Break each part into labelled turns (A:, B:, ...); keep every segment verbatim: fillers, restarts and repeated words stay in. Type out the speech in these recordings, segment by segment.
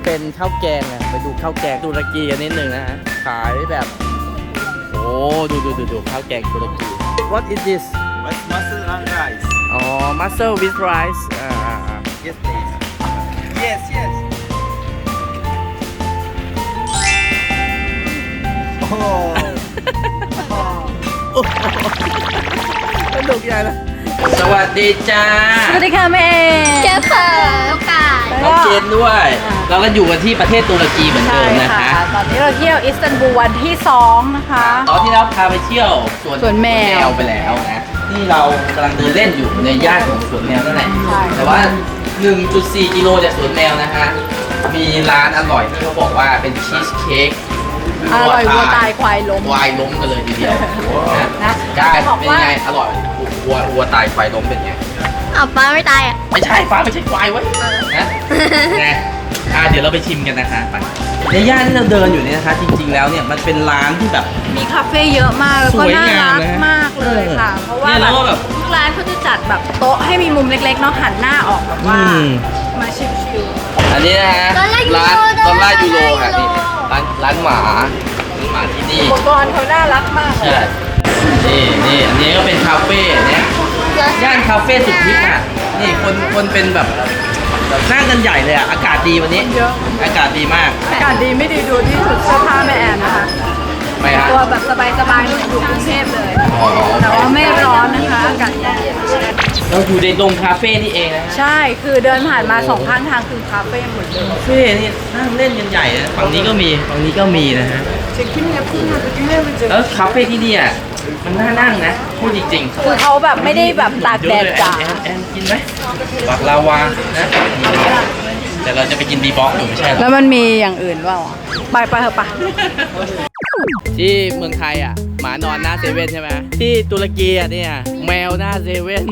A: เป็นข้าวแกงอ่ะไปดูข้าวแกงตุรกีกันนิดนึงนะฮะขายแบบโอ้ดูดูดูดูข้าวแกงตุรกี What is this
B: Mussel and rice.
A: อ๋อ mussel with rice อ่าอ่าอ่า
B: Yes, please. Yes, yes.
A: โอ้สนุกใหญ่เลยสวัสดีจ้า
C: สวัสดีค่ะแม่
D: เจ๊เปิดโอกาส
A: น้องเจนด้วย เราก็อยู่กันที่ประเทศตุรกีเหมือนเดิมนะคะ
C: ตอนนี้เราเที่ยวอิสตันบูลวันที่สองนะคะ
A: ตอนที่เราพาไปเที่ยวสวน
C: สวนแมว
A: ไปแล้วนะนี่เรากำลังเดินเล่นอยู่ในย่านของสวนแมวนั่นแหละ
C: ใช่
A: แต่ว่า หนึ่งจุดสี่ กิโลจากสวนแมวนะฮะมีร้านอร่อยที่เขาบอกว่าเป็นชีสเค้ก
C: อร่อยวัวตายควายล้ม
A: ควายล้มกันเลยทีเดียวนะ
C: นะ
A: ใช่
C: บอก
A: เป็น
C: ว่า
A: ไงอร่อยวัววัวตายควายล้มเป็นไง
D: อ้าวป้าไม่ตายอ่ะ
A: ไม่ใช่ฟ้าไม่ใช่ควายเว้ยนะไงอ่ะเดี๋ยวเราไปชิมกันนะคะไปในย่านที่เราเดินอยู่เนี่ยนะคะ จริงๆแล้วเนี่ยมันเป็นร้านที่แบบ
C: มีคาเฟ่เยอะมากแล้วก็
A: สวย
C: น่าง
A: าม
C: รัก
A: นะ
C: มากเลยค่ะ เพราะว่า
A: เนี่ย
C: แบ
A: แล้วก็แบบ
C: บทุกร้านเขาจะจัดแบบโต๊ะให้มีมุมเล็กๆเนาะหันหน้าออกแบบว่า
A: อืม
C: มาชิล
A: อันนี้นะฮะ
D: ดอลลาร์ยูโร
A: ร้านด
D: ด
A: อ
D: อ
A: ล
D: ล
A: ลา
D: ลาร์
A: ร์ยูโร
D: ยูโร
A: ค่ะนี่ร้านร้านหมาร้านหมาที่นี่
C: ๆอุปกรณ์เขาน่ารักมากเลย
A: ใช่นี่นี่อันนี้ก็เป็นคาเฟ่เนี่ยย่านคาเฟ่สุดฮิปอ่ะนี่คนคนเป็นแบบแบบนั่งกันใหญ่เลยอ่ะอากาศดีวันนี้
C: เยอะ
A: อากาศดีมาก
C: อากาศดีไม่ดีดูที่ชุดเสื้อผ้าแม่แอนนะคะ
A: ไปฮะ
C: ตัวแบบสบายๆเหมือนอยู่กรุงเทพเลย
A: อ๋อ
C: แต่ว่าไม่ร้อนนะคะอากาศเย็น
A: เราอยู่ในโรงคาเฟ่นี่เองนะฮะ
C: ใช่คือเดินผ่านมาสองข้างทางคือคาเฟ่หมดเลย
A: คาเฟ่นี่นั่งเล่นกันใหญ่นะฝั่งนี้ก็มีฝั่งนี้ก็มีนะฮะแล้วคาเฟ่ที่นี่อ่ะมันน่านั่งนะพูดจริงๆ
C: คือเขาแบบไม่ได้แบบตากแดดจ้า
A: แอนแอนกินไหมบักลาวานะแต่เราจะไปกินบีบ็อกอยู่ไม่ใช่หรอ
C: แล้วมันมีอย่างอื่นเปล่าอ่ะไปไปเถอะปะ
A: ที่เมืองไทยอ่ะหมานอนหน้าเซเว่นใช่ไหมที่ตุรกีอ่ะเนี่ยแมวหน้าเซเว่น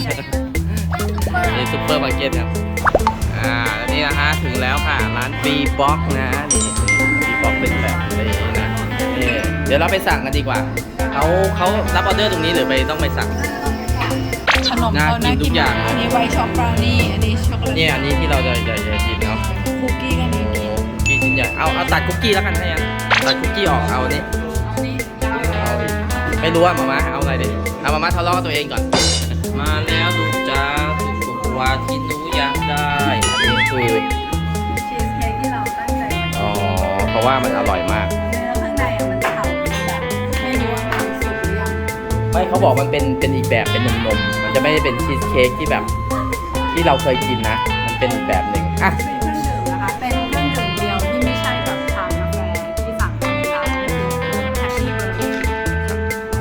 A: นี่ซุปเปอร์มาร์เก็ตครับอ่าแล้วนี่นะฮะถึงแล้วค่ะร้านบีบ็อกนะนี่บีบ็อกเป็นแบบนี้นะนี่เดี๋ยวเราไปสั่งกันดีกว่าเขาเขารับออเดอร์ตรงนี้หรือไปต้องไปสั่ง
C: ขนม
A: น่า
C: เขา
A: กินทุกอย่าง
C: อันนี้ไวท์ช็อกบราวนี่อันนี้ช็อกโกแลต
A: เนี่ยอันนี้ที่เราจะจะจะกินเนาะ
C: คุกกี้ก็มี
A: โอ้คุกกี้ชิ้นใหญ่เอาเอาตัดคุกกี้แล้วกันให้ยันตัดคุกกี้ออกเอาอันนี้เอาอีกไม่รู้ว่ามาม่าเอาอะไรดิเอามาม่าทะเลาะกับตัวเองก่อน มาแล้วลูกจ้าสุกวาที่หนูอยากได้อันนี้คือ
C: ชีสเค้กที่เราตั้งใจ
A: อ๋อเพราะว่ามันอร่อยมาก
C: เนื้อข้างในอ่ะมันฉ่ำแบบไม่รู้ว่ามันสุกหรือยัง
A: ไม่เขาบอกมันเป็นเป็นอีกแบบเป็นนมนมๆมันจะไม่ได้เป็นชีสเค้กที่แบบ ที่เราเคยกินนะ มันเป็นอีกแบบหนึ่งอ่ะ
C: เป็นเครื่องดื่มนะคะเป็นเครื่องดื่มเดียวที่ไม่ใช่แบบชากาแฟที่สั่งในร้านนี่คือแฮปปี้เบอร์รี่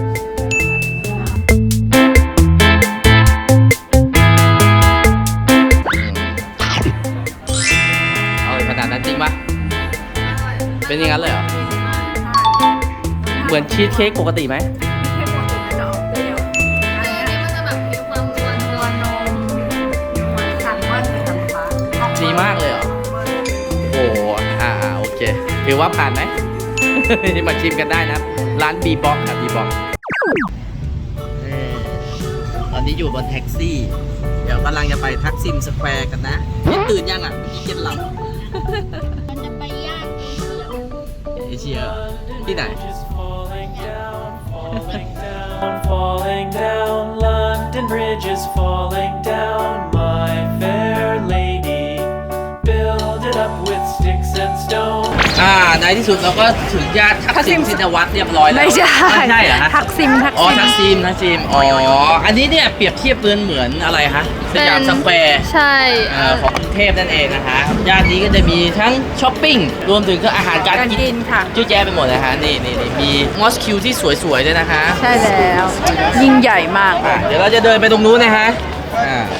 A: เอาเลยขนาดนั้นจริงปะเป็นอย่างนั้นเลยเหรอ เหมือนชีสเค้กปกติไหม
C: เข้มข้นจะออกเปรี้ยว
D: อันนี้มันจะแบบมีความนวล
C: ตัวนมมันสั่งว่าจะทำฟ้า
A: ดีมากเลยเหรอ โอ้โหอ่าอ่าโอเค ถือว่าผ่านไหม มาชิมกันได้นะ ร้านบีบ็อกครับบีบ็อกตอนนี้อยู่บนแท็กซี่ เดี๋ยวกำลังจะไปทักซิมสแควร์กันนะนี่ตื่นยังอ่ะเมื่อกี้เย็นหลับ
D: มันจะไปย่างเอเชีย
A: เอเชียที่ไหน
E: Falling down, falling down, falling down. London Bridge is falling down, my fair lady. Build it up with sticks and stones.
A: อ่า ในที่สุดเราก็ถึงย่านทักซิมชินวัตรเรียบร้อยแล้ว
C: ไม่ใช่
A: ไม่ใช่เหรอฮะ
C: ทักซิมทัก
A: อ๋อ
C: ซิม
A: ทักซิมทักซิมอ๋อ อันนี้เนี่ยเปรียบเทียบเหมือนเหมือนอะไรฮะสยามสแควร์
D: ใช่
A: เอ่อของกรุงเทพนั่นเองนะคะย่านนี้ก็จะมีทั้งช้อปปิ้ง รวมถึงก็อาหารการ
C: การ
A: กิ
C: กิ
A: น
C: นค่ะ
A: เยอะแยะไปหมดนะคะนี่นี่นี่มีมอสคิวที่สวยๆด้วยนะคะ
C: ใช่แล้ว ยิ่งใหญ่มาก
A: อ่ะเดี๋ยวเราจะเดินไปตรงนู้นนะฮะอ่า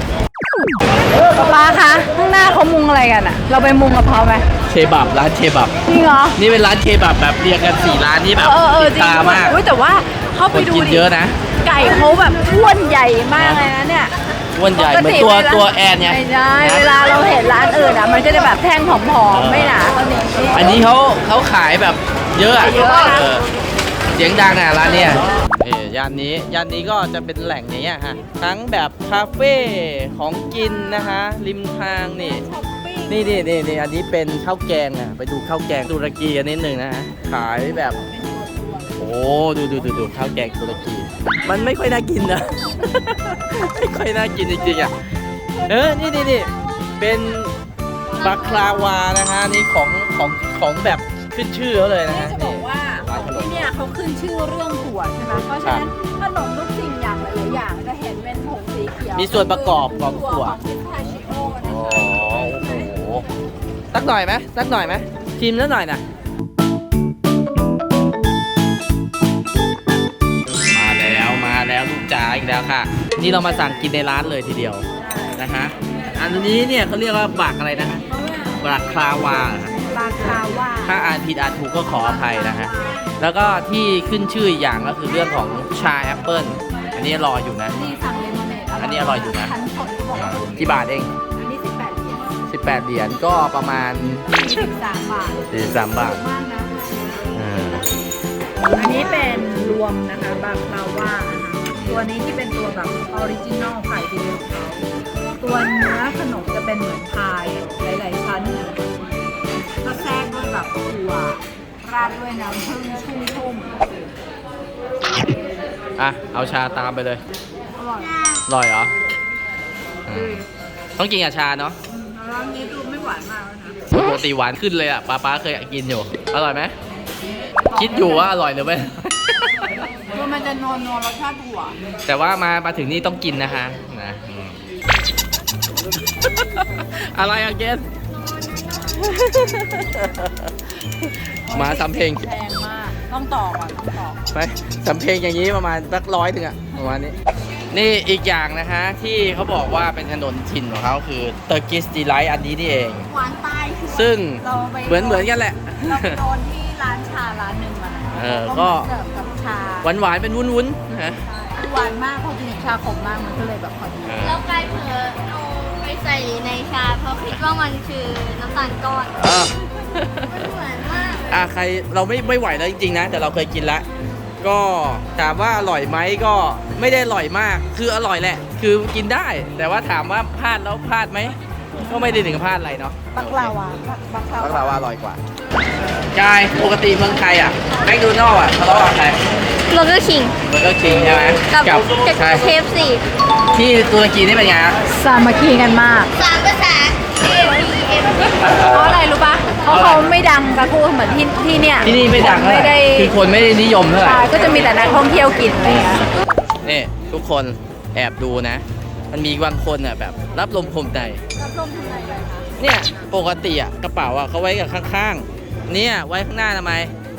C: ป้าคะข้างหน้าเขามุงอะไรกันอ่ะ เราไปมุงกับเขาไหม
A: เคบับร้านเคบับ
C: จริงเหรอ
A: นี่เป็นร้านเคบับแบบเรียงกันสี่ร้านที่แบบ
C: เออเออ
A: ติด
C: จริง
A: ตามาก
C: อุ๊ยแต่ว่าเข้า
A: ค
C: ไป
A: น
C: ดู
A: กิน
C: ดิ
A: เยอะนะ
C: ไก่เขาแบบอ้วนใหญ่มากเลยนะเนี่ย
A: อ้วนใหญ่
C: ปก
A: เหมือน
C: ติ
A: ตัว
C: เวลา
A: ตัวแอนไง
C: ไม่ใช่เวลาเราเห็นร้านอื่นอ่ะ มันก็จะแบบแท่งผอมๆไม่หนาเท่านี้
A: อันนี้เขาเขาขายแบบเยอะอะ
C: เยอะนะ
A: เออเสียงดังอ่ะร้านเนี้ยเออย่านนี้ย่านนี้ก็จะเป็นแหล่งอย่างเงี้ยฮะทั้งแบบคาเฟ่ของกินนะคะริมทางนี่
C: ช้อปปิ้ง
A: นี่นี่นี่นี่อันนี้เป็นข้าวแกงอ่ะไปดูข้าวแกงตุรกีกันนิดหนึ่งนะฮะขายแบบ โอ้ดูดูดูดูข้าวแกงตุรกี มันไม่ค่อยน่ากินนะ ไม่ค่อยน่ากินจริงๆอ่ะเออนี่นี่นี่เป็นบักคลาวานะฮะนี่ของของของแบบขึ้นชื่อเขาเลยนะ
C: นี่
A: ฮะ
C: จะบอกว่าที่เนี่ยเขาขึ้นชื่อเรื่องถั่วใช่ไหมเพราะฉะนั้นขนมทุกสิ่งอย่างหลายๆอย่างจะเห็นเป็นผงสีเขียว
A: มีส่วนประกอบของถั่ว
C: ของพิสตาชิโอนะ
A: อ๋อ
C: คะ
A: โอ้โหสักหน่อยไหมสักหน่อยไหมชิมสักหน่อยนะมาแล้วมาแล้วลูกจ๋าอีกแล้วค่ะ นี่เรามาสั่งกินในร้านเลยทีเดียวนะฮะอันนี้เนี่ยเขาเรียกว่าบักอะไรนะฮะบักคลาวาเหรอฮะ
C: บาคาว่า
A: ถ้าอ่านผิดอ่านถูกก็ขออภัยนะฮะแล้วก็ที่ขึ้นชื่ออีกอย่างก็คือเรื่องของชาแอปเปิลอันนี้รออยู่นะ
C: นี่สั่งเลมอนเนด
A: อันนี้อร่อยอยู่นะ
C: ชั้นสดบอกว่า
A: กี่บาทเอง
C: อันนี้สิบแปดเหรียญ
A: สิบแปดเหรียญก็ประมาณ
C: สิบสามบาท
A: สี่สิบสามบาท
C: มากนะ
A: อ่า
C: อันนี้เป็นรวมนะคะบาคาว่านะคะตัวนี้ที่เป็นตัวแบบออริจินอลไข่ดีของเขาตัวเนื้อขนมจะเป็นเหมือนพายหลาย ๆ ชั้นก็แทรกด้วยแบบถั่วราดด้วยน้ำผึ้งชุ่ม
A: อ่ะเอาชาตามไปเลย
C: ๆอร่อย
A: อร่อยเหรออืมต้องกินกับชาเนาะ
C: อืมแล้วอันนี้ดูไม่หวานมากแล้วนะ
A: ปกติหวานขึ้นเลยอ่ะป้าป้าเคยกินอยู่อร่อยไหมคิดอยู่ว่าอร่อยหรือไม่
C: คือมันจะนวลนวลรสชาติถั่ว
A: แต่ว่ามามาถึงนี่ต้องกินนะคะนะอืม อะไรอะเกส มาสำเพลง
C: แพงมาก ต้องต่อก่อนต้องต่อ
A: ไปสำเพลงอย่างนี้ประมาณสักร้อยถึงอะประมาณนี้ นี่อีกอย่างนะฮะที่เขาบอกว่าเป็นถนนถิ่นของเขาคือเตอร์กิสดีไลท์อันนี้นี่เอง
C: หวานตายชัวร์
A: ซึ่ง
C: เราไป
A: เหมือนเหมือนกันแหละ
C: เราไปโดนที่ร้านชาร้านหนึ่งมานะ
A: เออก็
C: เสิร์ฟกับชา
A: หวานหวานๆเป็นวุ้นวุ้นๆนะ
C: หวานมากพอกินกับชาขมมากมันก็เลยแบบพอดี
A: เออ
D: แล้วกายเผลอเอาไปใส่ในชาเพราะคิดว่ามันคือน้ำตาลก้อน
A: อ่ะ
D: มันเหมือนมากเลย
A: อ่ะใครเราไม่ไม่ไหวแล้วจริงๆนะ แต่เราเคยกินแล้วก็ถามว่าอร่อยไหมก็ไม่ได้อร่อยมาก คืออร่อยแหละ คือกินได้ แต่ว่าถามว่าพลาดแล้วพลาดไหมก็ไม่ได้ถึงกับพลาดอะไรเนาะ
C: บักลาวาบักลา
A: บักลาว
C: า
A: ว่าอร่อยกว่ากายปกติเมืองไทยอ่ะแมคโดนัลล์อ่ะทะเลาะกับใคร
D: โลเกอร์คิง
A: มันก็คิงใช่ไหม
D: กับ
A: กับใช่
D: เคฟซี
A: ที่ตุรกีนี่เป็นไงฮะ
C: สามัคคีกันมาก
D: สามภาษา A B M
C: เพราะอะไรรู้ปะเพราะเขาไม่ดังกระทู้เหมือนที่ที่เนี่ย
A: ที่นี่ไม่ดังเท่า
C: ไม่
A: ไหร่
C: ได้
A: คือคนไม่ได้นิยมเท่าไหร่
C: ใช่ก็จะมีแต่นักท่องเที่ยวกินอะไรอย่างเงี้ย
A: นี่ทุกคนแอบดูนะ มันมีบางคนอ่ะแบบรับลมคมใน
C: รับลมทำไมเลยคะ
A: เนี่ยปกติอ่ะกระเป๋าอ่ะเขาไว้กับข้างๆ เนี่ยไว้ข้างหน้าทำไม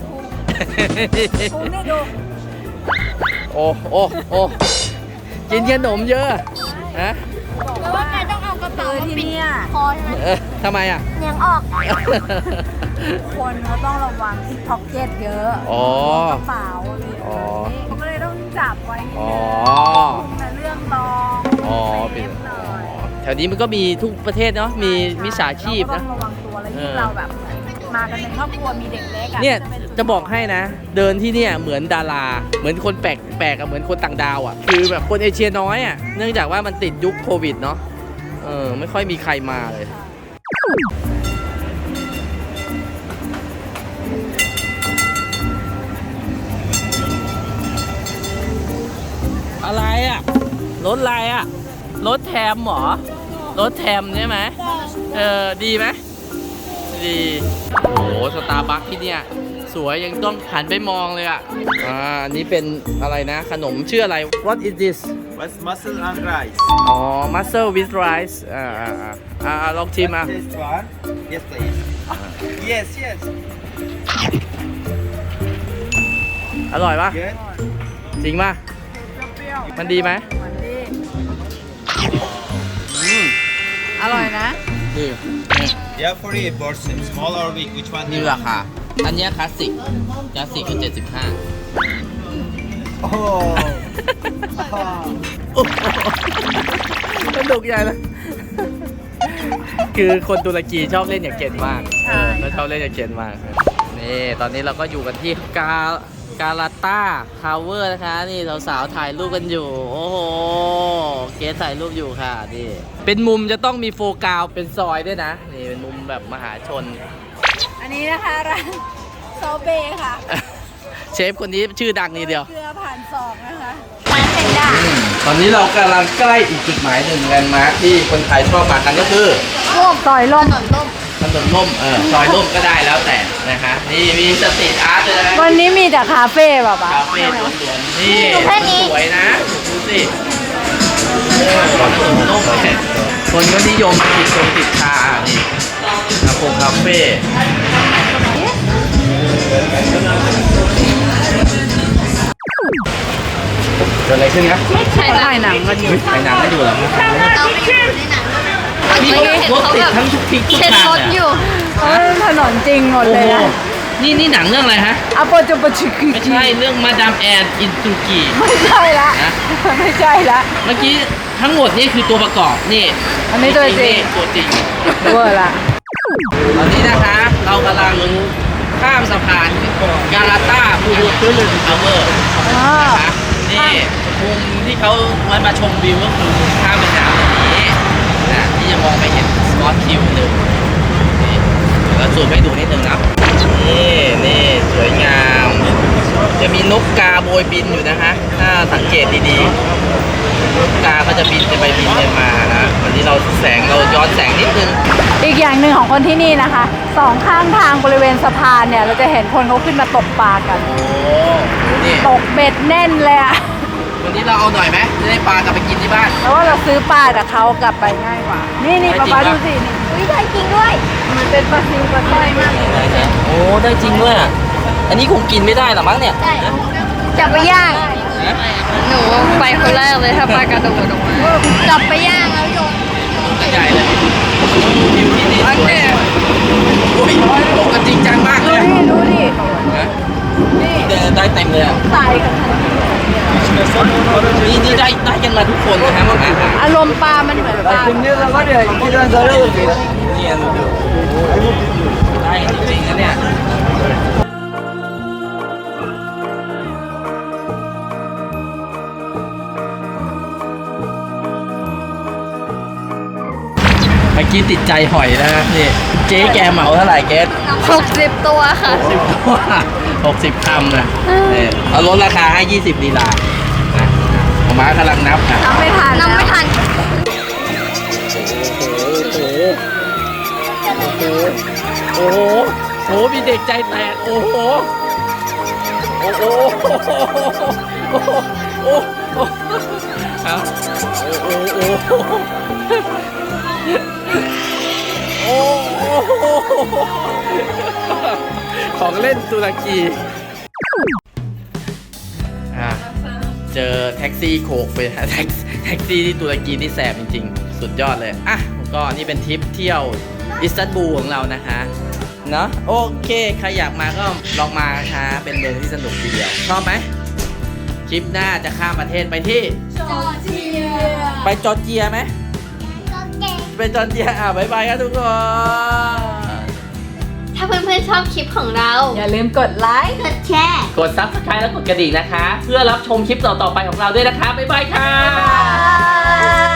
C: คุณนี่ดู
A: โอ้โอ้โอ้กินขนมเยอะฮะ
D: แปลว่ากายต้องเอากระเป๋า
C: คือ
D: มา
C: ที่
D: ปิด
C: เนี่ย
D: คอใช่ไหม
A: เออทำไมอ่ะ
D: เนียงออก
C: คนเขาต้องระวังที่พ็อกเก็ตเยอะ
A: อ๋อ
C: กระเป๋าอะไรอย่าง
A: อ๋อ
C: เงี้ยเขาก็เลยต้องจับไว้นิด
A: อ๋อ
C: นึงแต่เรื่องรอง
A: อ๋อ
C: เซ
A: เป็น
C: ฟหน่อย
A: แถวนี้มันก็มีทุกประเทศเนาะมีมิจฉาชีพ
C: เราก็
A: นะ
C: ต้องระวังตัวแล้ว
A: เอ
C: ยิ่ง
A: อ
C: เราแบบมากันเป็นครอบครัวมีเด็กเล็กอะ
A: เนี่ย
C: ป็
A: จะบอกให้นะ เดินที่เนี่ยเหมือนดารา เหมือนคนแปลกแปลกอะเหมือนคนต่างดาวอะคือแบบคนเอเชียน้อยอะเนื่องจากว่ามันติดยุคโควิดเนาะเออไม่ค่อยมีใครมาเลย อะไรอะรถอะไรอะรถแทมเหรอรถแทมใช่ไหมเออดีไหมดีโอ้โหสตาร์บัคที่เนี่ยสวยยังต้องหันไปมองเลยอ่ะอ่าอันนี้เป็นอะไรนะขนมชื่ออะไร What is this
B: What's mussel and rice?
A: อ๋อ mussel with rice อ่าอ่าอ่าอ่าลองชิมอ่ะ
B: Taste one. Yes, please. Yes, yes.
A: อร่อยปะ
B: Good.
A: จริงปะ
C: เปรี้ยวๆ
A: มันดีไหม
C: มันดี
A: อืม
C: อร่อยนะ
A: ดีนี่
B: Yeah, for a portion, small or big, which one? do
A: นี่
B: you
A: รา
B: want?
A: คา อันเนี้ยคลาสสิกคลาสสิกคือเจ็ดสิบห้า
B: Oh.
A: สนุกใหญ่เลย คือคนตุรกีชอบเล่นอย่างเก่งมาก
C: ใช่
A: เออเขาชอบเล่นอย่างเก่งมาก นี่ ตอนนี้เราก็อยู่กันที่กา กาลาต้าทาวเวอร์นะคะ นี่สาวๆถ่ายรูปกันอยู่ โอ้โห เกสถ่ายรูปอยู่ค่ะ นี่ เป็นมุมจะต้องมีโฟกัสเป็นซอยด้วยนะ นี่เป็นมุมแบบมหาชน
C: อันนี้นะคะร้านโซเบค่ะ
A: เชฟคนนี้ชื่อดังนี่เดียว
C: เกลือผ่านศอกนะคะ
D: ร้านเป็นดา
A: ตอนนี้เรากำลังใกล้อีกจุดหมายหนึ่งแลนด์มาร์คที่คนไทยชอบมากันก็คือ
C: ร่วมต่อยลม
D: ถนนล่ม
A: ถนนล่มเออซอยล่มก็ได้แล้วแต่นะคะนี่มีสตรีทอาร์ตด้วยนะ
C: วันนี้มีแต่คาเฟ่แบบว่า
A: คาเฟ่ล้วนๆนี่สวยนะดูสิเออถนนล่มเนี่ยคนก็นิยมติดชมติดชานี่คาเฟ่คาเฟ่เกิดอะไรขึ้นครับ
C: ถ่ายหนังกันอยู่
A: ไปหนังไม่ดูหรอครับ
D: เราไปอยู่ในหนังด้วย
A: นี่รถติดทั้งทุกทิศทุก
D: เช็ด
A: ทาง
D: รถอ
A: เนี่ย
D: ยู่
C: เออถนนจริงหมด
A: โอ้
C: เลย
A: โห
C: นะ
A: นี่นี่หนังเรื่องอะไรฮะ
C: อาโปจูปชิกิ
A: ไม่ใช่เรื่องมาดามแอนอินซูกิ
C: ไม่ใช่ละ
A: นะ
C: ไม่ใช่ละ
A: เมื่อกี้ทั้งหมดนี่คือตัวประกอบนี่
C: อันนี้ตัวจริง
A: นี่ตัวจริง
C: เวอร์ละ
A: ตอนนี้นะคะเรากำลังข้ามสะพานกาลาตาบูบูทูลุนทาวเวอร์
C: อ๋อ
A: นะคะนี่มุมที่เขาไว้มาชมวิวก็คือข้ามแม่น้ำอย่างนี้นะที่จะมองไปเห็นสปอตคิวหนึ่งนี่เดี๋ยวเราสูดไปดูนิดนึงนะนี่นี่สวยงาม จะมีนกกาโบยบินอยู่นะคะ ถ้าสังเกตดีๆนกกาก็จะบินไปบินไปมานะวันนี้เราแสงเราย้อนแสงนิดนึง
C: อีกอย่างหนึ่งของคนที่นี่นะคะสองข้างทางบริเวณสะพานเนี่ย เราจะเห็นคนเขาขึ้นมาตกปลากัน
A: โอ้นี่
C: ตกเบ็ดแน่นเลยอะ
A: วันนี้เราเอาหน่อยไหมจะได้ปลากลับไปกินที่บ้าน
C: แล้วว่าเราซื้อปลาจากเขากลับไปง่ายกว่า นี่นี่
A: ได้
C: ป๊า
A: จริง
C: ป๊า
A: ครับ
C: ดูสินี่
D: อุ้ยได้จริงด้วย
C: มันเป็นปลาซิวปลาสร้อยมากเลย
A: โอ้ได้จริงด้วยอ่ะอันนี้คงกินไม่ได้หรอมั้งเนี่ย
D: ได้จับไปย่าง
F: หนูไปคนแรกเลยถ้าปลากระโดดออกมา
D: จับไปย่างแล้วโยน
A: ตัวใหญ่เลยวิวที่นี่สวยโอ้ยตกกันจริงจังมากเลยอะ
C: นี่ดูดิ
A: นะนี่เดินได้เต็มเลยอ่ะ
C: ตายกัน
A: นี่นี่ได้ได้กันมาทุกคนนะครับผมนะ
C: อารมณ์ปลามันเหมือนปลา
A: เนี่ยดูได้จริงๆนะเนี่ยเมื่อกี้ติดใจหอยนะครับนี่เจ๊แกเหมาเท่าไหร่เจ๊
F: หกสิบตัวค่ะ
A: สิบตัวหกสิบคำนะนี่เอาลดราคาให้ยี่สิบลีลานะผมมากำลังนับนะ
C: ทำไม่ทัน
D: นำไม่ทัน
A: โอ้โห โอ้โห โอ้โห มีเด็กใจแตก โอ้โห โอ้โห โอ้โห โอ้โหเอาโอ้โห โอ้โห ของเล่นตุรกีอ่ะเจอแท็กซี่โขกไปแท็กแท็กซี่ที่ตุรกีนี่แสบจริงๆ สุดยอดเลย อ่ะก็นี่เป็นทริปเที่ยวอิสตันบูลของเรานะคะเนาะโอเค ใครอยากมาก็ลองมานะคะเป็นเมืองที่สนุกทีเดียว ชอบไหมทริปหน้าจะข้ามประเทศไปที่
D: จอร์เจีย
A: ไปจอร์เจียไหม
D: จอร์เจีย
A: ไปจอร์เจียอ่ะบ๊ายบายครับทุกคน
D: ถ้าเพื่อนๆชอบคลิปของเรา
C: อย่าลืมกดไลค์
D: กดแชร์
A: กด ซับสไครบ์ และกดกระดิ่งนะคะ เพื่อรับชมคลิปต่อๆไปของเราด้วยนะคะ บ๊ายบายค่ะ
C: บ๊ายบาย